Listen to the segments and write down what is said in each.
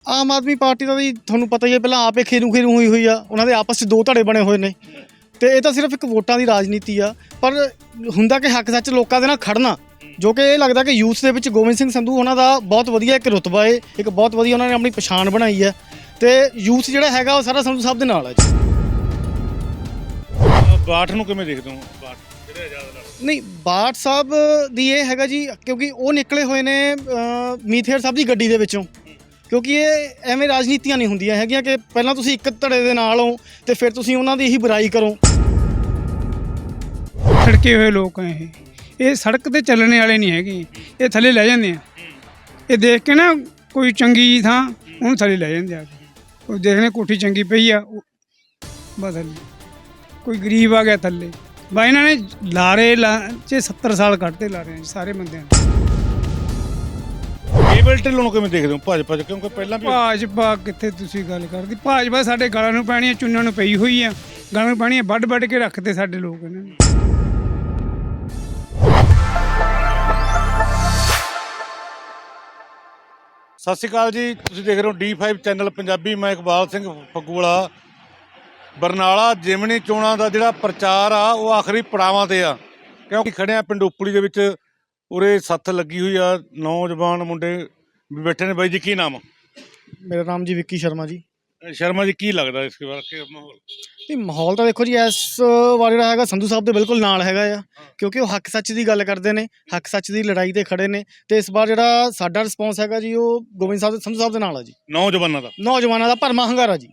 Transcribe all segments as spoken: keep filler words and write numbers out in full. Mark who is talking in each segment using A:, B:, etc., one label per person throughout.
A: ਆਮ ਆਦਮੀ party ਦਾ ਵੀ ਤੁਹਾਨੂੰ ਪਤਾ ਹੀ ਹੈ, ਪਹਿਲਾਂ ਆਪੇ ਖੇਰੂ ਖੇਰੂ ਹੋਈ ਹੋਈ ਆ, ਉਹਨਾਂ ਦੇ ਆਪਸ 'ਚ ਦੋ ਧੜੇ ਬਣੇ ਹੋਏ ਨੇ ਤੇ ਇਹ ਤਾਂ ਸਿਰਫ ਇੱਕ ਵੋਟਾਂ ਦੀ ਰਾਜਨੀਤੀ ਆ। ਪਰ ਹੁੰਦਾ ਕਿ ਹੱਕ ਸੱਚ ਲੋਕਾਂ ਦੇ ਨਾਲ ਖੜਨਾ, ਜੋ ਕਿ ਇਹ ਲੱਗਦਾ ਕਿ ਯੂਥ ਦੇ ਵਿੱਚ ਗੋਬਿੰਦ ਸਿੰਘ ਸੰਧੂ ਉਹਨਾਂ ਦਾ ਬਹੁਤ ਵਧੀਆ ਇੱਕ ਰੁਤਬਾ ਹੈ, ਇੱਕ ਬਹੁਤ ਵਧੀਆ ਉਹਨਾਂ ਨੇ ਆਪਣੀ ਪਛਾਣ ਬਣਾਈ ਹੈ ਤੇ ਯੂਥ ਜਿਹੜਾ ਹੈਗਾ ਉਹ ਸਾਰਾ ਸੰਧੂ ਸਾਹਿਬ ਦੇ ਨਾਲ ਹੈ ਜੀ।
B: ਬਾਠ ਨੂੰ ਕਿਵੇਂ ਦੇਖਦੇ ਹੋ? ਬਾਠ ਜਿਹੜੇ ਆਜ਼ਾਦ ਲੜ
A: ਨਹੀਂ, ਬਾਠ ਸਾਹਿਬ ਦੀ ਇਹ ਹੈਗਾ ਜੀ, ਕਿਉਂਕਿ ਉਹ ਨਿਕਲੇ ਹੋਏ ਨੇ ਮੀਥੇਰ ਸਾਹਿਬ ਦੀ ਗੱਡੀ ਦੇ ਵਿੱਚੋਂ, ਕਿਉਂਕਿ ਇਹ ਐਵੇਂ ਰਾਜਨੀਤੀਆਂ ਨਹੀਂ ਹੁੰਦੀਆਂ ਹੈਗੀਆਂ ਕਿ ਪਹਿਲਾਂ ਤੁਸੀਂ ਇੱਕ ਧੜੇ ਦੇ ਨਾਲ ਹੋ ਤੇ ਫਿਰ ਤੁਸੀਂ ਉਹਨਾਂ ਦੀ ਹੀ ਬੁਰਾਈ ਕਰੋ।
C: ਸੜਕੇ ਹੋਏ ਲੋਕ ਆ ਇਹ ਇਹ ਸੜਕ ਤੇ ਚੱਲਣੇ ਵਾਲੇ ਨਹੀਂ ਹੈਗੇ, ਇਹ ਥੱਲੇ ਲੈ ਜਾਂਦੇ ਆ। ਇਹ ਦੇਖ ਕੇ ਨਾ ਕੋਈ ਚੰਗੀ ਥਾਂ ਉਹਨੂੰ ਥੱਲੇ ਲੈ ਜਾਂਦੇ ਆ, ਉਹ ਦੇਖਣੇ ਕੋਠੀ ਚੰਗੀ ਪਈ ਆ ਬਸ ਥੱਲੇ, ਕੋਈ ਗਰੀਬ ਆ ਗਿਆ ਥੱਲੇ ਬਾ। ਇਹਨਾਂ ਨੇ ਲਾਰੇ ਲਾ 'ਚ ਸੱਤਰ ਸਾਲ ਕੱਢਤੇ ਲਾਰੇ ਸਾਰੇ ਬੰਦਿਆਂ ਨੇ।
B: ਕੇਬਲ ਢਿੱਲੋਂ ਨੂੰ ਕਿਵੇਂ ਦੇਖਦੇ ਹੋ ਭਾਜਪਾ 'ਚ? ਕਿਉਂਕਿ ਪਹਿਲਾਂ ਵੀ
C: ਭਾਜਪਾ ਕਿੱਥੇ ਤੁਸੀਂ ਗੱਲ ਕਰਦੀ, ਭਾਜਪਾ ਸਾਡੇ ਗਲਾਂ ਨੂੰ ਪੈਣੀ, ਚੁੰਨਾਂ ਨੂੰ ਪਈ ਹੋਈ ਆ, ਗਲਾਂ ਨੂੰ ਪੈਣੀ, ਵੱਢ ਵੱਢ ਕੇ ਰੱਖਦੇ ਸਾਡੇ ਲੋਕ ਇਹਨਾਂ ਨੇ।
B: ਸਤਿ ਸ਼੍ਰੀ ਅਕਾਲ ਜੀ, ਤੁਸੀਂ ਦੇਖ ਰਹੇ ਹੋ ਡੀ ਫਾਈਵ ਚੈਨਲ ਪੰਜਾਬੀ। ਮੈਂ ਇਕਬਾਲ ਸਿੰਘ ਫੱਗੂਵਾਲਾ। ਬਰਨਾਲਾ ਜਿਮਣੀ ਚੋਣਾਂ ਦਾ ਜਿਹੜਾ ਪ੍ਰਚਾਰ ਆ ਉਹ ਆਖਰੀ ਪੜਾਵਾਂ ਤੇ ਆ, ਕਿਉਂਕਿ ਖੜੇ ਆ ਪਿੰਡ ਉਪਲੀ ਦੇ ਵਿੱਚ। ਉਰੇ ਸੱਥ ਲੱਗੀ ਹੋਈ ਆ, ਨੌਜਵਾਨ ਮੁੰਡੇ ਵੀ ਬੈਠੇ ਨੇ। ਬਾਈ ਜੀ ਕੀ ਨਾਮ?
A: ਮੇਰਾ ਨਾਮ ਜੀ ਵਿੱਕੀ ਸ਼ਰਮਾ ਜੀ।
B: ਸ਼ਰਮਾ ਜੀ, ਕੀ ਲੱਗਦਾ ਇਸ ਬਾਰੇ ਕਿ ਮਾਹੌਲ?
A: ਨਹੀਂ, ਮਾਹੌਲ ਤਾਂ ਦੇਖੋ ਜੀ ਇਸ ਵਾਰ ਜਿਹੜਾ ਹੈਗਾ ਸੰਧੂ ਸਾਹਿਬ ਦੇ ਬਿਲਕੁਲ ਨਾਲ ਹੈਗਾ ਆ, ਕਿਉਂਕਿ ਉਹ ਹੱਕ ਸੱਚ ਦੀ ਗੱਲ ਕਰਦੇ ਨੇ, ਹੱਕ ਸੱਚ ਦੀ ਲੜਾਈ ਤੇ ਖੜੇ ਨੇ ਤੇ ਇਸ ਵਾਰ ਜਿਹੜਾ ਸਾਡਾ ਰਿਸਪੌਂਸ ਹੈਗਾ ਜੀ ਉਹ ਗੋਬਿੰਦ ਸਾਹਿਬ ਸੰਧੂ ਸਾਹਿਬ ਦੇ ਨਾਲ ਆ ਜੀ।
B: ਨੌਜਵਾਨਾਂ ਦਾ
A: ਨੌਜਵਾਨਾਂ ਦਾ ਭਰਮਾ ਹੰਗਾਰਾ ਜੀ।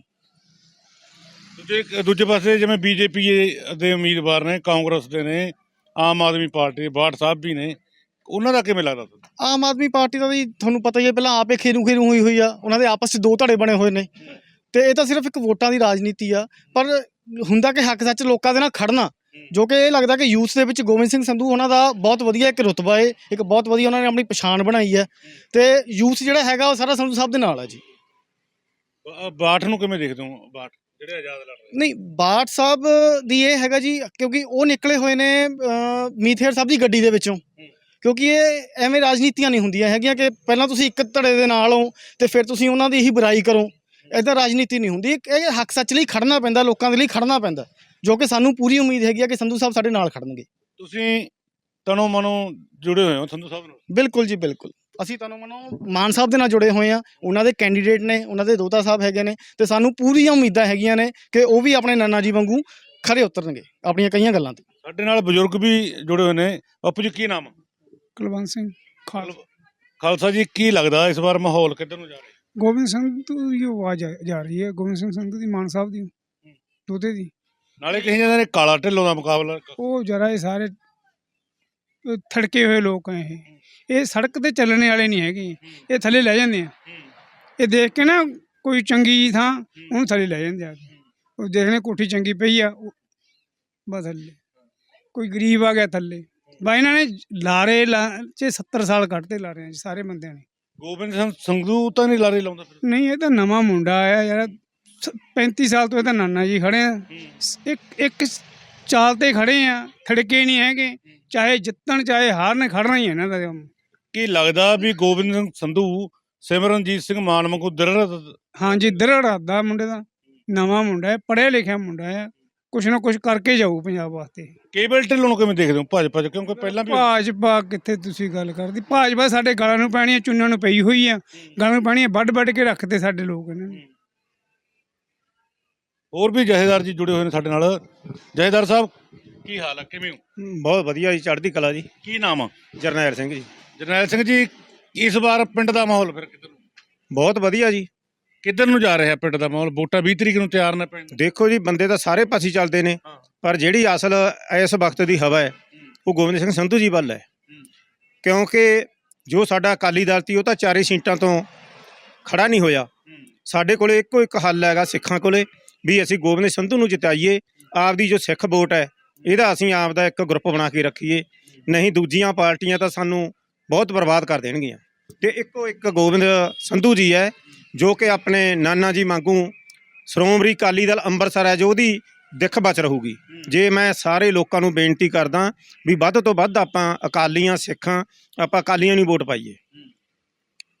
B: ਦੂਜੇ ਦੂਜੇ ਪਾਸੇ ਜਿਵੇਂ ਬੀਜੇਪੀ ਦੇ ਉਮੀਦਵਾਰ ਨੇ, ਕਾਂਗਰਸ ਦੇ ਨੇ, ਆਮ ਆਦਮੀ ਪਾਰਟੀ ਦੇ ਬਾਠ ਸਾਹਿਬ ਵੀ ਨੇ, ਉਹਨਾਂ ਦਾ ਕਿਵੇਂ ਲੱਗਦਾ?
A: ਆਮ ਆਦਮੀ ਪਾਰਟੀ ਦਾ ਵੀ ਤੁਹਾਨੂੰ ਪਤਾ ਹੀ ਹੈ, ਪਹਿਲਾਂ ਆਪੇ ਖੇਰੂ ਖੇਰੂ ਹੋਈ ਹੋਈ ਆ, ਉਹਨਾਂ ਦੇ ਆਪਸ 'ਚ ਦੋ ਧੜੇ ਬਣੇ ਹੋਏ ਨੇ ਤੇ ਇਹ ਤਾਂ ਸਿਰਫ ਇੱਕ ਵੋਟਾਂ ਦੀ ਰਾਜਨੀਤੀ ਆ। ਪਰ ਹੁੰਦਾ ਕਿ ਹੱਕ ਸੱਚ ਲੋਕਾਂ ਦੇ ਨਾਲ ਖੜਨਾ, ਜੋ ਕਿ ਇਹ ਲੱਗਦਾ ਕਿ ਯੂਥ ਦੇ ਵਿੱਚ ਗੋਬਿੰਦ ਸਿੰਘ ਸੰਧੂ ਉਹਨਾਂ ਦਾ ਬਹੁਤ ਵਧੀਆ ਇੱਕ ਰੁਤਬਾ ਹੈ, ਇੱਕ ਬਹੁਤ ਵਧੀਆ ਉਹਨਾਂ ਨੇ ਆਪਣੀ ਪਛਾਣ ਬਣਾਈ ਹੈ ਤੇ ਯੂਥ ਜਿਹੜਾ ਹੈਗਾ ਉਹ ਸਾਰਾ ਸੰਧੂ ਸਾਹਿਬ ਦੇ ਨਾਲ ਹੈ ਜੀ।
B: ਬਾਠ ਨੂੰ ਕਿਵੇਂ ਦੇਖਦੇ ਹੋ? ਬਾਠ ਜਿਹੜੇ ਆਜ਼ਾਦ ਲੜ ਰਹੇ?
A: ਨਹੀਂ, ਬਾਠ ਸਾਹਿਬ ਦੀ ਇਹ ਹੈਗਾ ਜੀ, ਕਿਉਂਕਿ ਉਹ ਨਿਕਲੇ ਹੋਏ ਨੇ ਮੀਥੇਰ ਸਾਹਿਬ ਦੀ ਗੱਡੀ ਦੇ ਵਿੱਚੋਂ, ਕਿਉਂਕਿ ਇਹ ਐਵੇਂ ਰਾਜਨੀਤੀਆਂ ਨਹੀਂ ਹੁੰਦੀਆਂ ਹੈਗੀਆਂ ਕਿ ਪਹਿਲਾਂ ਤੁਸੀਂ ਇੱਕ ਧੜੇ ਦੇ ਨਾਲ ਹੋ ਤੇ ਫਿਰ ਤੁਸੀਂ ਉਹਨਾਂ ਦੀ ਹੀ ਬੁਰਾਈ ਕਰੋ। ਇੱਦਾਂ ਰਾਜਨੀਤੀ ਨਹੀਂ ਹੁੰਦੀ। ਇਹ ਹੱਕ ਸੱਚ ਲਈ ਖੜਨਾ ਪੈਂਦਾ, ਲੋਕਾਂ ਦੇ ਲਈ ਖੜਨਾ ਪੈਂਦਾ, ਜੋ ਕਿ ਸਾਨੂੰ ਪੂਰੀ ਉਮੀਦ ਹੈਗੀ ਆ ਕਿ ਸੰਧੂ ਸਾਹਿਬ ਸਾਡੇ ਨਾਲ ਖੜਨਗੇ।
B: ਤੁਸੀਂ ਤਨੋ ਮਨੋਂ ਜੁੜੇ ਹੋਏ ਹੋ ਸੰਧੂ ਸਾਹਿਬ ਨਾਲ?
A: ਬਿਲਕੁਲ ਜੀ, ਬਿਲਕੁਲ। ਅਸੀਂ ਤਨੋ ਮਨੋਂ ਮਾਨ ਸਾਹਿਬ ਦੇ ਨਾਲ ਜੁੜੇ ਹੋਏ ਹਾਂ, ਉਹਨਾਂ ਦੇ ਕੈਂਡੀਡੇਟ ਨੇ, ਉਹਨਾਂ ਦੇ ਦੋਤਾ ਸਾਹਿਬ ਹੈਗੇ ਨੇ ਤੇ ਸਾਨੂੰ ਪੂਰੀਆਂ ਉਮੀਦਾਂ ਹੈਗੀਆਂ ਨੇ ਕਿ ਉਹ ਵੀ ਆਪਣੇ ਨਾਨਾ ਜੀ ਵਾਂਗੂ ਖਰੇ ਉਤਰਨਗੇ ਆਪਣੀਆਂ ਕਈਆਂ ਗੱਲਾਂ 'ਤੇ।
B: ਸਾਡੇ ਨਾਲ ਬਜ਼ੁਰਗ ਵੀ ਜੁੜੇ ਹੋਏ ਨੇ। ਬਾਪੂ ਜੀ ਕੀ ਨਾਮ?
C: ਕੁਲਵੰਤ ਸਿੰਘ ਖਾਲ
B: ਖਾਲਸਾ ਜੀ, ਕੀ ਲੱਗਦਾ ਇਸ ਵਾਰ ਮਾਹੌਲ ਕਿੱਧਰ ਨੂੰ ਜਾ ਰਿਹਾ?
C: ਗੋਬਿੰਦ ਸੰਧੂ ਦੀ ਆਵਾਜ਼ ਜਾ ਰਹੀ ਹੈ, ਗੋਬਿੰਦ ਸਿੰਘ ਸੰਧੂ ਦੀ, ਮਾਨ ਸਾਹਿਬ ਦੀ, ਦੋਤੇ ਦੀ।
B: ਨਾਲੇ ਕਹੀ ਜਾਂਦੇ ਨੇ ਕਾਲਾ ਢਿੱਲੋਂ ਦਾ ਮੁਕਾਬਲਾ।
C: ਉਹ ਜਰਾ ਇਹ ਸਾਰੇ ਥੜਕੇ ਹੋਏ ਲੋਕ ਆ ਇਹ ਇਹ ਸੜਕ ਤੇ ਚੱਲਣੇ ਵਾਲੇ ਨਹੀਂ ਹੈਗੇ, ਇਹ ਥੱਲੇ ਲੈ ਜਾਂਦੇ ਆ। ਇਹ ਦੇਖ ਕੇ ਨਾ ਕੋਈ ਚੰਗੀ ਥਾਂ ਉਹਨੂੰ ਥੱਲੇ ਲੈ ਜਾਂਦੇ ਆ, ਉਹ ਦੇਖਣੇ ਕੋਠੀ ਚੰਗੀ ਪਈ ਆ ਬਸ ਥੱਲੇ, ਕੋਈ ਗਰੀਬ ਆ ਗਿਆ ਥੱਲੇ ਬਾ। ਇਹਨਾਂ ਨੇ ਲਾਰੇ ਲਾ 'ਚ ਸੱਤਰ ਸਾਲ ਕੱਢਤੇ ਲਾਰੇ ਆ ਸਾਰੇ ਬੰਦਿਆਂ ਨੇ।
B: ਗੋਬਿੰਦ ਸਿੰਘ ਸੰਧੂ ਤਾਂ ਨਹੀਂ ਲਾਰੇ ਲਾਉਂਦਾ ਫਿਰ?
C: ਨਹੀਂ, ਇਹ ਤਾਂ ਨਵਾਂ ਮੁੰਡਾ ਆਇਆ ਯਾਰ, ਪੈਂਤੀ ਸਾਲ ਤੋਂ ਇਹ ਤਾਂ ਨਾਨਾ ਜੀ ਖੜੇ ਆ, ਇੱਕ ਇੱਕ ਚਾਲ ਤੇ ਖੜੇ ਆ, ਥੜਕੇ ਨਹੀਂ ਹੈਗੇ, ਚਾਹੇ ਜਿੱਤਣ ਚਾਹੇ ਹਾਰਨ, ਖੜਨਾ ਹੀ ਹੈ ਇਹਨਾਂ ਦਾ।
B: ਕੀ ਲੱਗਦਾ ਵੀ ਗੋਬਿੰਦ ਸਿੰਘ ਸੰਧੂ ਸਿਮਰਨਜੀਤ ਸਿੰਘ ਮਾਨ ਵਾਂਗੂ ਦ੍ਰਿੜ?
C: ਹਾਂਜੀ, ਦ੍ਰਿੜ ਦਾ ਮੁੰਡੇ ਦਾ, ਨਵਾਂ ਮੁੰਡਾ ਹੈ, ਪੜ੍ਹਿਆ ਲਿਖਿਆ ਮੁੰਡਾ ਹੈ, ਕੁਛ ਨਾ ਕੁਛ ਕਰਕੇ ਜਾਊ ਪੰਜਾਬ ਵਾਸਤੇ।
B: ਕੇਬਲ ਢਿੱਲੋਂ ਨੂੰ ਕਿਵੇਂ ਦੇਖਦੇ ਹੋ ਭਾਜਪਾ 'ਚ? ਕਿਉਂਕਿ ਪਹਿਲਾਂ ਵੀ
C: ਭਾਜਪਾ ਕਿੱਥੇ ਤੁਸੀਂ ਗੱਲ ਕਰਦੀ, ਭਾਜਪਾ ਸਾਡੇ ਗਲਾਂ ਨੂੰ ਪੈਣੀ, ਚੁੰਨਾਂ ਨੂੰ ਪਈ ਹੋਈ ਆ, ਗਲਾਂ ਨੂੰ ਪੈਣੀ, ਵੱਢ ਵੱਢ ਕੇ ਰੱਖਦੇ ਸਾਡੇ ਲੋਕ ਇਹਨਾਂ ਨੇ।
B: ਹੋਰ ਵੀ ਜਥੇਦਾਰ ਜੀ ਜੁੜੇ ਹੋਏ ਨੇ ਸਾਡੇ ਨਾਲ। ਜਥੇਦਾਰ ਸਾਹਿਬ ਕੀ ਹਾਲ ਹੈ, ਕਿਵੇਂ ਹੋ?
D: ਬਹੁਤ ਵਧੀਆ ਜੀ, ਚੜ੍ਹਦੀ ਕਲਾ ਜੀ।
B: ਕੀ ਨਾਮ ਆ?
D: ਜਰਨੈਲ ਸਿੰਘ ਜੀ।
B: ਜਰਨੈਲ ਸਿੰਘ ਜੀ, ਇਸ ਵਾਰ ਪਿੰਡ ਦਾ ਮਾਹੌਲ ਫਿਰ ਕਿੱਧਰ ਨੂੰ?
D: ਬਹੁਤ ਵਧੀਆ ਜੀ।
B: ਕਿੱਧਰ ਨੂੰ ਜਾ ਰਿਹਾ ਪਿੰਡ ਦਾ ਮਾਹੌਲ? ਵੋਟਾਂ ਵੀਹ ਤਰੀਕ ਨੂੰ ਤਿਆਰ ਨੇ ਪਿੰਡ।
D: ਦੇਖੋ ਜੀ, ਬੰਦੇ ਤਾਂ ਸਾਰੇ ਪਾਸੇ ਚੱਲਦੇ ਨੇ, ਪਰ ਜਿਹੜੀ ਅਸਲ ਇਸ ਵਕਤ ਦੀ ਹਵਾ ਹੈ ਉਹ ਗੋਬਿੰਦ ਸਿੰਘ ਸੰਧੂ ਜੀ ਵੱਲ ਹੈ, ਕਿਉਂਕਿ ਜੋ ਸਾਡਾ ਅਕਾਲੀ ਦਲ ਸੀ ਉਹ ਤਾਂ ਚਾਰੇ ਸੀਟਾਂ ਤੋਂ ਖੜਾ ਨਹੀਂ ਹੋਇਆ। ਸਾਡੇ ਕੋਲ ਇੱਕੋ ਇੱਕ ਹੱਲ ਹੈਗਾ ਸਿੱਖਾਂ ਕੋਲੇ ਵੀ ਅਸੀਂ ਗੋਬਿੰਦ ਸੰਧੂ ਨੂੰ ਜਿਤਾਈਏ, ਆਪਦੀ ਜੋ ਸਿੱਖ ਵੋਟ ਹੈ ਇਹਦਾ ਅਸੀਂ ਆਪ ਦਾ ਇੱਕ ਗਰੁੱਪ ਬਣਾ ਕੇ ਰੱਖੀਏ, ਨਹੀਂ ਦੂਜੀਆਂ ਪਾਰਟੀਆਂ ਤਾਂ ਸਾਨੂੰ ਬਹੁਤ ਬਰਬਾਦ ਕਰ ਦੇਣਗੀਆਂ। ਤੇ ਇੱਕੋ ਇੱਕ ਗੋਬਿੰਦ ਸੰਧੂ ਜੀ ਹੈ ਜੋ ਕਿ ਆਪਣੇ ਨਾਨਾ ਜੀ ਵਾਂਗੂ ਸ਼੍ਰੋਮਣੀ ਅਕਾਲੀ ਦਲ ਅੰਮ੍ਰਿਤਸਰ ਹੈ ਜੋ ਉਹਦੀ ਦਿੱਖ ਬਚ ਰਹੂਗੀ। ਜੇ ਮੈਂ ਸਾਰੇ ਲੋਕਾਂ ਨੂੰ ਬੇਨਤੀ ਕਰਦਾ ਵੀ ਵੱਧ ਤੋਂ ਵੱਧ ਆਪਾਂ ਅਕਾਲੀਆਂ ਸਿੱਖਾਂ ਆਪਾਂ ਅਕਾਲੀਆਂ ਨੂੰ ਵੋਟ ਪਾਈਏ।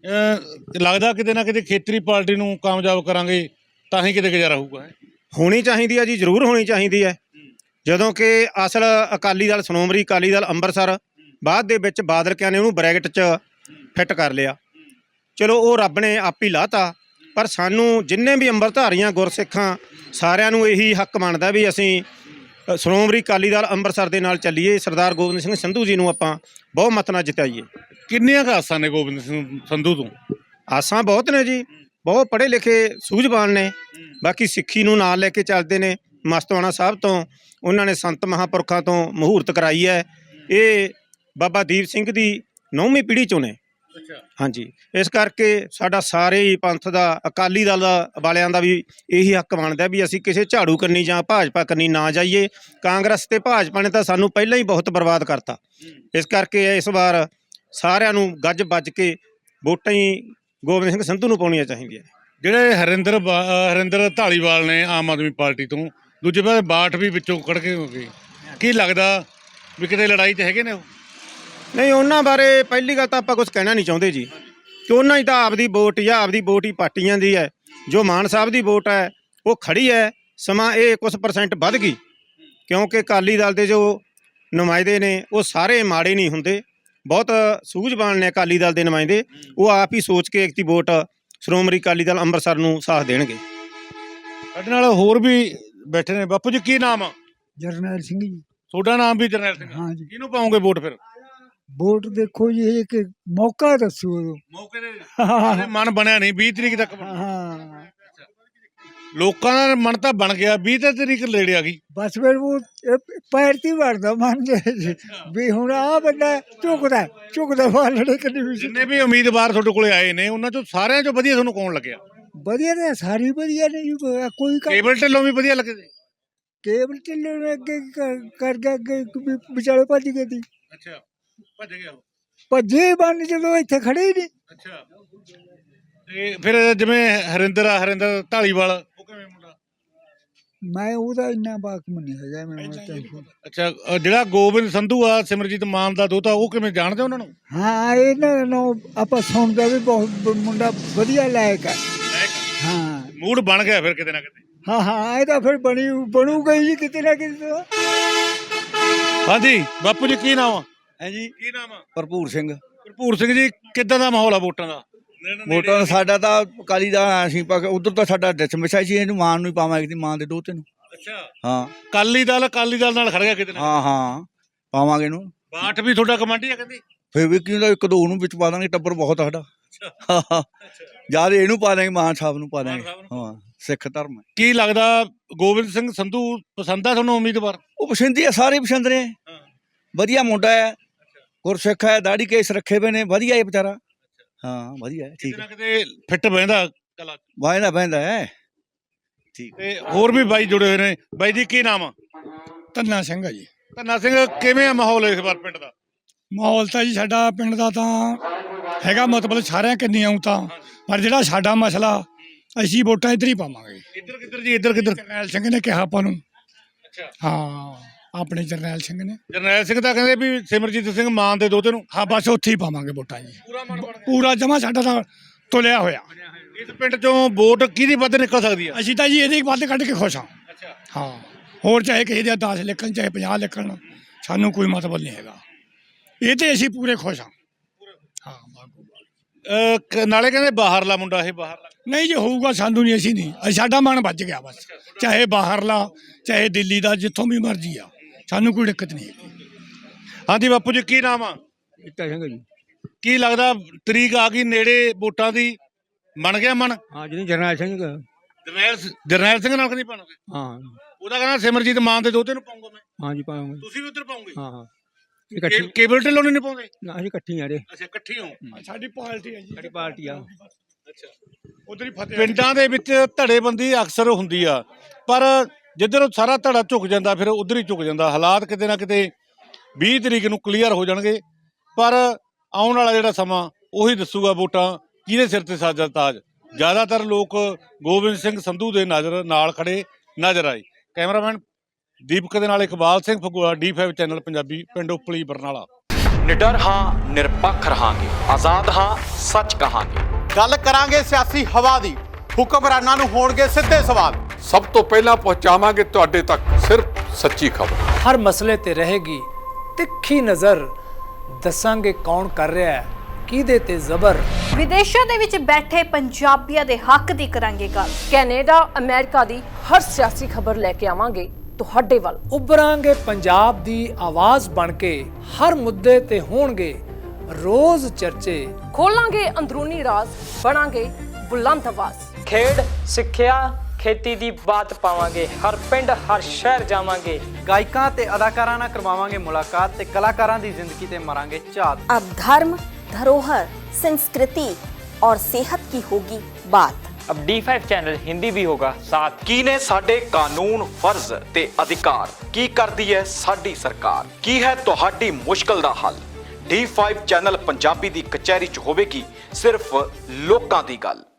B: ਅਹ ਲੱਗਦਾ ਕਿਤੇ ਨਾ ਕਿਤੇ ਖੇਤਰੀ ਪਾਰਟੀ ਨੂੰ ਕਾਮਯਾਬ ਕਰਾਂਗੇ ਤਾਂ ਹੀ ਕਿਤੇ ਗੁਜ਼ਾਰਾ ਹੋਊਗਾ।
D: ਹੋਣੀ ਚਾਹੀਦੀ ਹੈ ਜੀ, ਜ਼ਰੂਰ ਹੋਣੀ ਚਾਹੀਦੀ ਹੈ। ਜਦੋਂ ਕਿ ਅਸਲ ਅਕਾਲੀ ਦਲ ਸ਼੍ਰੋਮਣੀ ਅਕਾਲੀ ਦਲ ਅੰਮ੍ਰਿਤਸਰ ਬਾਅਦ ਦੇ ਵਿੱਚ ਬਾਦਲਕਿਆਂ ਨੇ ਉਹਨੂੰ ਬ੍ਰੈਕਟ 'ਚ ਫਿੱਟ ਕਰ ਲਿਆ। ਚਲੋ ਉਹ ਰੱਬ ਨੇ ਆਪ ਹੀ ਲਾਤਾ, ਪਰ ਸਾਨੂੰ ਜਿੰਨੇ ਵੀ ਅੰਮ੍ਰਿਤਧਾਰੀਆਂ ਗੁਰਸਿੱਖਾਂ ਸਾਰਿਆਂ ਨੂੰ ਇਹੀ ਹੱਕ ਬਣਦਾ ਵੀ ਅਸੀਂ ਸ਼੍ਰੋਮਣੀ ਅਕਾਲੀ ਦਲ ਅੰਮ੍ਰਿਤਸਰ ਦੇ ਨਾਲ ਚੱਲੀਏ। ਸਰਦਾਰ ਗੋਬਿੰਦ ਸਿੰਘ ਸੰਧੂ ਜੀ ਨੂੰ ਆਪਾਂ ਬਹੁਮਤ ਨਾਲ ਜਿਤਾਈਏ।
B: ਕਿੰਨੀਆਂ ਕੁ ਆਸਾਂ ਨੇ ਗੋਬਿੰਦ ਸਿੰਘ ਸੰਧੂ ਤੋਂ?
D: ਆਸਾਂ ਬਹੁਤ ਨੇ ਜੀ, ਬਹੁਤ ਪੜ੍ਹੇ ਲਿਖੇ ਸੂਝਵਾਨ ਨੇ। ਬਾਕੀ ਸਿੱਖੀ ਨੂੰ ਨਾਲ ਲੈ ਕੇ ਚੱਲਦੇ ਨੇ। ਮਸਤਵਾਣਾ ਸਾਹਿਬ ਤੋਂ ਉਹਨਾਂ ਨੇ ਸੰਤ ਮਹਾਂਪੁਰਖਾਂ ਤੋਂ ਮਹੂਰਤ ਕਰਾਈ ਹੈ। ਇਹ ਬਾਬਾ ਦੀਪ ਸਿੰਘ ਦੀ ਨੌਵੀਂ ਪੀੜ੍ਹੀ 'ਚੋਂ ਨੇ। ਹਾਂਜੀ, ਇਸ ਕਰਕੇ ਸਾਡਾ ਸਾਰੇ ਹੀ ਪੰਥ ਦਾ ਅਕਾਲੀ ਦਲ ਵਾਲਿਆਂ ਦਾ ਵੀ ਇਹੀ ਹੱਕ ਬਣਦਾ ਵੀ ਅਸੀਂ ਕਿਸੇ ਝਾੜੂ ਕੰਨੀ ਜਾਂ ਭਾਜਪਾ ਕੰਨੀ ਨਾ ਜਾਈਏ। ਕਾਂਗਰਸ ਤੇ ਭਾਜਪਾ ਨੇ ਤਾਂ ਸਾਨੂੰ ਪਹਿਲਾਂ ਹੀ ਬਹੁਤ ਬਰਬਾਦ ਕਰਤਾ। ਇਸ ਕਰਕੇ ਇਸ ਵਾਰ ਸਾਰਿਆਂ ਨੂੰ ਗੱਜ ਵੱਜ ਕੇ ਵੋਟਾਂ ਹੀ ਗੋਬਿੰਦ ਸਿੰਘ ਸੰਧੂ ਨੂੰ ਪਾਉਣੀਆਂ ਚਾਹੀਦੀਆਂ।
B: ਜਿਹੜੇ ਹਰਿੰਦਰ ਬਾ- ਅਹ ਹਰਿੰਦਰ ਧਾਲੀਵਾਲ ਨੇ ਆਮ ਆਦਮੀ ਪਾਰਟੀ ਤੋਂ, ਦੂਜੇ ਪਾਸੇ ਬਾਠ ਵੀ ਵਿੱਚੋਂ ਕੱਢ ਕੇ ਹੋ ਗਏ, ਕੀ ਲੱਗਦਾ ਵੀ ਕਿਤੇ ਲੜਾਈ 'ਚ ਹੈਗੇ ਨੇ ਉਹ?
D: ਨਹੀਂ, ਉਹਨਾਂ ਬਾਰੇ ਪਹਿਲੀ ਗੱਲ ਤਾਂ ਆਪਾਂ ਕੁਝ ਕਹਿਣਾ ਨਹੀਂ ਚਾਹੁੰਦੇ ਜੀ, ਕਿ ਉਹਨਾਂ ਦੀ ਤਾਂ ਆਪਦੀ ਵੋਟ ਜਾਂ ਆਪਦੀ ਵੋਟ ਹੀ ਪਾਰਟੀ ਜਾਂਦੀ ਹੈ। ਜੋ ਮਾਨ ਸਾਹਿਬ ਦੀ ਵੋਟ ਹੈ ਉਹ ਖੜੀ ਹੈ, ਸਮਾਂ ਇਹ ਕੁਝ ਪਰਸੈਂਟ ਵੱਧ ਗਈ, ਕਿਉਂਕਿ ਅਕਾਲੀ ਦਲ ਦੇ ਜੋ ਨੁਮਾਇੰਦੇ ਨੇ ਉਹ ਸਾਰੇ ਮਾੜੇ ਨਹੀਂ ਹੁੰਦੇ, ਬਹੁਤ ਸੂਝਵਾਨ ਨੇ ਅਕਾਲੀ ਦਲ ਦੇ ਨੁਮਾਇੰਦੇ। ਉਹ ਆਪ ਹੀ ਸੋਚ ਕੇ ਇੱਕ ਦੀ ਵੋਟ ਸ਼੍ਰੋਮਣੀ ਅਕਾਲੀ ਦਲ ਅੰਮ੍ਰਿਤਸਰ ਨੂੰ ਸਾਥ ਦੇਣਗੇ।
B: ਸਾਡੇ ਨਾਲ ਹੋਰ ਵੀ ਬੈਠੇ ਨੇ। ਬਾਪੂ ਜੀ ਕੀ ਨਾਮ ਆ?
C: ਜਰਨੈਲ ਸਿੰਘ ਜੀ।
B: ਤੁਹਾਡਾ ਨਾਮ ਵੀ ਜਰਨੈਲ ਸਿੰਘ?
C: ਹਾਂ ਜੀ।
B: ਕਿਹਨੂੰ ਪਾਉਂਗੇ ਵੋਟ ਫਿਰ?
C: ਵੋਟ ਦੇਖੋ ਜੀ, ਇੱਕ ਮੌਕਾ ਦੱਸੋ ਉਦੋਂ।
B: ਮੌਕੇ ਦੇ ਹਜੇ ਮਨ ਬਣਿਆ ਨਹੀਂ, ਵੀਹ ਤਰੀਕ ਤੱਕ ਬਣੂ।
C: ਹਾਂ,
B: ਲੋਕਾਂ ਦਾ ਮਨ ਤਾਂ ਬਣ ਗਿਆ, ਵੀਹ ਤਰੀਕ ਨੇੜੇ ਆ ਗਈ।
C: ਬਸ ਫਿਰ ਉਹ ਇਹ ਪੈਰ ਤੇ ਵੜਦਾ ਮਨ ਦੇ ਵੀ ਹੁਣ ਆਹ ਬੰਦਾ ਝੁਕਦਾ ਝੁਕਦਾ ਵਾਲੜੇ ਕਦੀ ਵੀ।
B: ਜਿੰਨੇ ਵੀ ਉਮੀਦਵਾਰ ਤੁਹਾਡੇ ਕੋਲੇ ਆਏ ਨੇ ਉਹਨਾਂ ਚੋਂ ਸਾਰਿਆਂ ਚੋਂ ਵਧੀਆ ਤੁਹਾਨੂੰ ਕੌਣ ਲੱਗਿਆ?
C: ਵਧੀਆ ਨੇ, ਸਾਰੀ ਵਧੀਆ ਨੇ ਜੀ। ਕੋਈ ਕੰਮ-
B: ਕੇਬਲ ਢਿੱਲੋਂ ਵੀ ਵਧੀਆ ਲੱਗੇ ਸੀ।
C: ਕੇਬਲ ਢਿੱਲੋਂ ਨੇ ਅੱਗੇ ਕਰ- ਕਰ ਗਿਆ, ਅੱਗੇ ਵੀ ਵਿਚਾਲੇ ਭੱਜ ਗਏ ਸੀ।
B: ਅੱਛਾ, ਭੱਜ ਗਿਆ ਉਹ।
C: ਭੱਜੇ ਬੰਨ ਜਦੋਂ ਇੱਥੇ ਖੜੇ ਹੀ ਨਹੀਂ।
B: ਅੱਛਾ, ਤੇ ਫਿਰ ਜਿਵੇਂ ਹਰਿੰਦਰ ਆ, ਹਰਿੰਦਰ ਢਾਲੀਵਾਲ, ਉਹ ਕਿਵੇਂ ਮੁੰਡਾ?
C: ਮੈਂ ਉਹਦਾ ਇੰਨਾ ਬਾਕਮ ਨਹੀਂ ਹੈਗਾ ਮੈਨੂੰ ਤਾਂ।
B: ਅੱਛਾ, ਅ, ਜਿਹੜਾ ਗੋਬਿੰਦ ਸੰਧੂ ਆ, ਸਿਮਰਜੀਤ ਮਾਨ ਦਾ ਦੋਤਾ, ਉਹ ਕਿਵੇਂ ਜਾਣਦੇ ਉਹਨਾਂ ਨੂੰ?
C: ਹਾਂ, ਇਹਨਾਂ ਨੂੰ ਆਪਾਂ ਸੁਣਦਾ ਵੀ ਬਹੁਤ ਮੁੰਡਾ ਵਧੀਆ ਲਾਇਕ ਹੈ। ਹਾਂ
B: ਮੂਡ ਬਣ ਗਿਆ ਫਿਰ ਕਿਤੇ ਨਾ ਕਿਤੇ।
C: ਹਾਂ ਹਾਂ, ਇਹ ਤਾਂ ਫਿਰ ਬਣੀ ਬਣੂਗਾ ਹੀ ਕਿਤੇ ਨਾ ਕਿਤੇ ਤਾਂ।
B: ਹਾਂਜੀ ਬਾਪੂ ਜੀ, ਕੀ ਨਾਮ ਆ?
E: ਹੈ ਜੀ,
B: ਕੀ ਨਾਮ ਆ?
E: ਭਰਪੂਰ ਸਿੰਘ।
B: ਭਰਪੂਰ ਸਿੰਘ ਜੀ, ਕਿੱਦਾਂ ਦਾ ਮਾਹੌਲ ਆ ਵੋਟਾਂ ਦਾ?
E: ਵੋਟਾਂ ਦਾ ਸਾਡਾ ਤਾਂ ਅਕਾਲੀ ਦਾ ਅਸੀਂ ਪਾ ਉਧਰ ਤਾਂ ਸਾਡਾ ਡਿਸਮਿਸ ਸੀ, ਇਹਨੂੰ ਮਾਨ ਨੂੰ ਹੀ ਪਾਵਾਂਗੇ ਦੀ ਮਾਨ ਦੇ ਦੋਤੇ ਨੂੰ।
B: ਅੱਛਾ,
E: ਹਾਂ
B: ਅਕਾਲੀ ਦਲ ਅਕਾਲੀ ਦਲ ਨਾਲ ਖੜ ਗਿਆ ਕਿਤੇ ਨਾ।
E: ਹਾਂ ਹਾਂ, ਪਾਵਾਂਗੇ ਇਹਨੂੰ।
B: ਬਾਠ ਵੀ ਤੁਹਾਡਾ ਕਮਾਂਡੀ ਆ ਕਹਿੰਦੀ?
E: ਫਿਰ ਵੀ ਕਿਉਂ ਇੱਕ ਦੋ ਨੂੰ ਵਿੱਚ ਪਾ ਦਾਂਗੇ, ਟੱਬਰ ਬਹੁਤ ਆ ਸਾਡਾ। ਜਦ ਇਹਨੂੰ ਪਾ ਦਾਂਗੇ, ਮਾਨ ਸਾਹਿਬ ਨੂੰ ਪਾ ਦਾਂਗੇ। ਹਾਂ, ਸਿੱਖ ਧਰਮ ਹੈ।
B: ਕੀ ਲੱਗਦਾ ਗੋਬਿੰਦ ਸਿੰਘ ਸੰਧੂ ਪਸੰਦ ਆ ਤੁਹਾਨੂੰ ਉਮੀਦਵਾਰ?
E: ਉਹ ਪਸੰਦ ਹੀ ਆ, ਸਾਰੇ ਪਸੰਦ ਨੇ। ਵਧੀਆ ਮੁੰਡਾ ਹੈ, ਗੁਰਸਿੱਖ ਹੈ, ਦਾੜੀ ਕੇਸ ਰੱਖੇ ਹੋਏ ਨੇ, ਵਧੀਆ ਹੈ ਵਿਚਾਰਾ। ਹਾਂ ਵਧੀਆ ਹੈ, ਠੀਕ ਹੈ।
B: ਕਿਤੇ ਫਿੱਟ ਬਹਿੰਦਾ ਕਲਾ
E: ਵਾਹਿੰਦਾ ਬਹਿੰਦਾ ਹੈ, ਠੀਕ।
B: ਤੇ ਹੋਰ ਵੀ ਬਾਈ ਜੁੜੇ ਹੋਏ ਨੇ। ਬਾਈ ਜੀ ਕੀ ਨਾਮ ਆ?
C: ਧੰਨਾ ਸਿੰਘ ਆ ਜੀ।
B: ਧੰਨਾ ਸਿੰਘ, ਕਿਵੇਂ ਆ ਮਾਹੌਲ ਇਸ ਵਾਰ ਪਿੰਡ ਦਾ?
C: ਮਾਹੌਲ ਤਾਂ ਜੀ ਸਾਡਾ ਪਿੰਡ ਦਾ ਤਾਂ ਹੈਗਾ, ਮਤਲਬ ਸਾਰਿਆਂ ਕਿੰਨੀ ਆਉਂ ਤਾਂ, ਪਰ ਜਿਹੜਾ ਸਾਡਾ ਮਸਲਾ, ਅਸੀਂ ਵੋਟਾਂ ਇੱਧਰ ਹੀ ਪਾਵਾਂਗੇ।
B: ਇੱਧਰ ਕਿੱਧਰ ਜੀ? ਇੱਧਰ ਕਿੱਧਰ?
C: ਜਰਨੈਲ ਸਿੰਘ ਨੇ ਕਿਹਾ ਆਪਾਂ ਨੂੰ।
B: ਅੱਛਾ,
C: ਹਾਂ, ਆਪਣੇ ਜਰਨੈਲ ਸਿੰਘ ਨੇ।
B: ਜਰਨੈਲ ਸਿੰਘ ਤਾਂ ਕਹਿੰਦੇ ਵੀ ਸਿਮਰਜੀਤ ਸਿੰਘ ਮਾਨ ਦੇ ਦੋਤੇ ਨੂੰ।
C: ਹਾਂ, ਬਸ ਉੱਥੇ ਹੀ ਪਾਵਾਂਗੇ ਵੋਟਾਂ ਜੀ।
B: ਪੂਰਾ ਮਨ ਬਣ ਗਿਆ।
C: ਪੂਰਾ ਜਮਾ ਸਾਡਾ ਤਾਂ ਤੁਲਿਆ ਹੋਇਆ।
B: ਇਸ ਪਿੰਡ ਚੋਂ ਵੋਟ ਕਿਹਦੀ ਵੱਧ ਨਿਕਲ ਸਕਦੀ ਆ?
C: ਅਸੀਂ ਤਾਂ ਜੀ ਇਹਦੇ ਵੱਧ ਕੱਢ ਕੇ ਖੁਸ਼ ਹਾਂ।
B: ਅੱਛਾ,
C: ਹਾਂ, ਹੋਰ ਚਾਹੇ ਕਿਸੇ ਦੇ ਦਸ ਲਿਖਣ, ਚਾਹੇ ਪੰਜਾਹ ਲਿਖਣ, ਸਾਨੂੰ ਕੋਈ ਮਤਲਬ ਨਹੀਂ ਹੈਗਾ। ਇਹ ਤੇ ਅਸੀਂ ਪੂਰੇ ਖੁਸ਼ ਹਾਂ। ਹਾਂ,
B: ਅਹ ਕ- ਨਾਲੇ ਕਹਿੰਦੇ ਬਾਹਰਲਾ ਮੁੰਡਾ, ਇਹ ਬਾਹਰਲਾ
C: ਨਹੀਂ ਜੇ ਹੋਊਗਾ ਸਾਨੂੰ ਨਹੀਂ, ਅਸੀਂ ਨਹੀਂ, ਅਸੀਂ ਸਾਡਾ ਮਨ ਵੱਜ ਗਿਆ ਬਸ। ਚਾਹੇ ਬਾਹਰਲਾ, ਚਾਹੇ ਦਿੱਲੀ ਦਾ, ਜਿੱਥੋਂ ਵੀ ਮਰਜ਼ੀ ਆ, ਸਾਨੂੰ ਕੋਈ ਦਿੱਕਤ ਨਹੀਂ ਹੈਗੀ।
B: ਹਾਂਜੀ ਬਾਪੂ ਜੀ, ਕੀ ਨਾਮ ਆ?
C: ਇੱਟਾ ਸਿੰਘ ਜੀ।
B: ਕੀ ਲੱਗਦਾ ਤਰੀਕ ਆ ਗਈ ਨੇੜੇ ਵੋਟਾਂ ਦੀ, ਬਣ ਗਿਆ ਮਨ?
C: ਹਾਂ, ਜਿਹੜੀ ਜਰਨੈਲ ਸਿੰਘ।
B: ਜਰਨੈਲ ਸ- ਜਰਨੈਲ ਸਿੰਘ ਨਾਲ ਕਿਹਦੀ ਪਾਣੋਗੇ?
C: ਹਾਂ
B: ਉਹਦਾ ਕਹਿੰਦਾ ਸਿਮਰਜੀਤ ਮਾਨ ਦੇ ਦੋਤੇ ਨੂੰ ਪਾਉਂਗਾ ਮੈਂ।
C: ਹਾਂ ਜੀ, ਪਾਵਾਂਗੇ।
B: ਤੁਸੀਂ ਵੀ ਉੱਧਰ ਪਾਉਂਗੇ?
C: ਹਾਂ ਹਾਂ,
B: ਕੇ- ਕੇਬਲ ਢਿੱਲੋਂ ਨੂੰ ਨਹੀਂ ਪਾਉਂਦੇ?
C: ਨਾ ਅਸੀਂ ਇਕੱਠੀ ਆ ਰੇ।
B: ਅੱਛਾ, ਇਕੱਠੇ ਹੋ।
C: ਸਾਡੀ ਪਾਰਟੀ ਹੈ ਜੀ। ਸਾਡੀ ਪਾਰਟੀ ਆ।
B: ਅੱਛਾ,
C: ਉਧਰ ਹੀ ਫਤਿਹ।
B: ਪਿੰਡਾਂ ਦੇ ਵਿੱਚ ਧੜੇਬੰਦੀ ਅਕਸਰ ਹੁੰਦੀ ਆ, ਪਰ ਜਿੱਧਰ ਸਾਰਾ ਧੜਾ ਝੁਕ ਜਾਂਦਾ ਫਿਰ ਉਧਰ ਹੀ ਝੁਕ ਜਾਂਦਾ। ਹਾਲਾਤ ਕਿਤੇ ਨਾ ਕਿਤੇ ਵੀਹ ਤਰੀਕ ਨੂੰ ਕਲੀਅਰ ਹੋ ਜਾਣਗੇ, ਪਰ ਆਉਣ ਵਾਲਾ ਜਿਹੜਾ ਸਮਾਂ ਉਹੀ ਦੱਸੂਗਾ ਵੋਟਾਂ ਕਿਹਦੇ ਸਿਰ ਤੇ ਸਾਜਾ ਤਾਜ। ਜ਼ਿਆਦਾਤਰ ਲੋਕ ਗੋਬਿੰਦ ਸਿੰਘ ਸੰਧੂ ਦੇ ਨਜ਼ਰ ਨਾਲ ਖੜੇ ਨਜ਼ਰ ਆਏ। ਕੈਮਰਾਮੈਨ ਦੀਪਕ ਦੇ ਨਾਲ Iqbal Singh Phagua, D five channel Punjabi, ਪਿੰਡ ਉਪਲੀ, ਬਰਨਾਲਾ।
F: ਨਿਡਰ ਹਾਂ, ਨਿਰਪੱਖ ਰਹਾਂਗੇ, ਆਜ਼ਾਦ ਹਾਂ, ਸੱਚ ਕਹਾਂਗੇ।
G: ਗੱਲ ਕਰਾਂਗੇ ਸਿਆਸੀ ਹਵਾ ਦੀ, ਹੁਕਮਰਾਨਾਂ ਨੂੰ ਹੋਣਗੇ ਸਿੱਧੇ ਸਵਾਲ।
H: ਸਭ ਤੋਂ ਪਹਿਲਾਂ ਪਹੁੰਚਾਵਾਂਗੇ ਤੁਹਾਡੇ ਤੱਕ ਸਿਰਫ ਸੱਚੀ ਖਬਰ।
I: ਹਰ ਮਸਲੇ ਤੇ ਰਹੇਗੀ ਤਿੱਖੀ ਨਜ਼ਰ, ਦੱਸਾਂਗੇ ਕੌਣ ਕਰ ਰਿਹਾ ਹੈ, ਕਿਹਦੇ ਤੇ ਜ਼ਬਰ।
J: ਵਿਦੇਸ਼ਾਂ ਦੇ ਵਿੱਚ ਬੈਠੇ ਪੰਜਾਬੀਆਂ ਦੇ ਹੱਕ ਦੀ ਕਰਾਂਗੇ ਗੱਲ।
K: ਕੈਨੇਡਾ, ਅਮਰੀਕਾ ਦੀ ਹਰ ਸਿਆਸੀ ਖਬਰ ਲੈ ਕੇ ਆਵਾਂਗੇ ਤੁਹਾਡੇ ਵੱਲ।
I: ਉਭਰਾਂਗੇ ਪੰਜਾਬ ਦੀ ਆਵਾਜ਼ ਬਣ ਕੇ, ਹਰ ਮੁੱਦੇ ਤੇ ਹੋਣਗੇ ਰੋਜ਼ ਚਰਚੇ।
K: ਖੋਲਾਂਗੇ ਅੰਦਰੂਨੀ ਰਾਜ਼, ਬਣਾਂਗੇ ਬੁਲੰਦ ਆਵਾਜ਼।
L: ਖੇਡ, ਸਿੱਖਿਆ, ਖੇਤੀ ਦੀ ਬਾਤ ਪਾਵਾਂਗੇ, ਹਰ ਪਿੰਡ ਹਰ ਸ਼ਹਿਰ ਜਾਵਾਂਗੇ।
M: ਗਾਇਕਾਂ ਤੇ ਅਦਾਕਾਰਾਂ ਨਾਲ ਕਰਵਾਵਾਂਗੇ ਮੁਲਾਕਾਤ ਤੇ ਕਲਾਕਾਰਾਂ ਦੀ ਜ਼ਿੰਦਗੀ ਤੇ ਮਾਰਾਂਗੇ ਝਾਤ।
J: अब धर्म, धरोहर, संस्कृति और सेहत की होगी बात।
L: अब डी फाइव चैनल हिंदी भी होगा साथ।
F: ਕੀ ਨੇ ਸਾਡੇ ਕਾਨੂੰਨ, ਫਰਜ਼ ਤੇ ਅਧਿਕਾਰ, ਕੀ ਕਰਦੀ ਹੈ ਸਾਡੀ ਸਰਕਾਰ, ਕੀ ਹੈ ਤੁਹਾਡੀ ਮੁਸ਼ਕਲ ਦਾ ਹੱਲ। ਡੀ ਫਾਈਵ ਚੈਨਲ ਪੰਜਾਬੀ ਦੀ ਕਚਹਿਰੀ 'ਚ ਹੋਵੇਗੀ ਸਿਰਫ ਲੋਕਾਂ ਦੀ ਗੱਲ।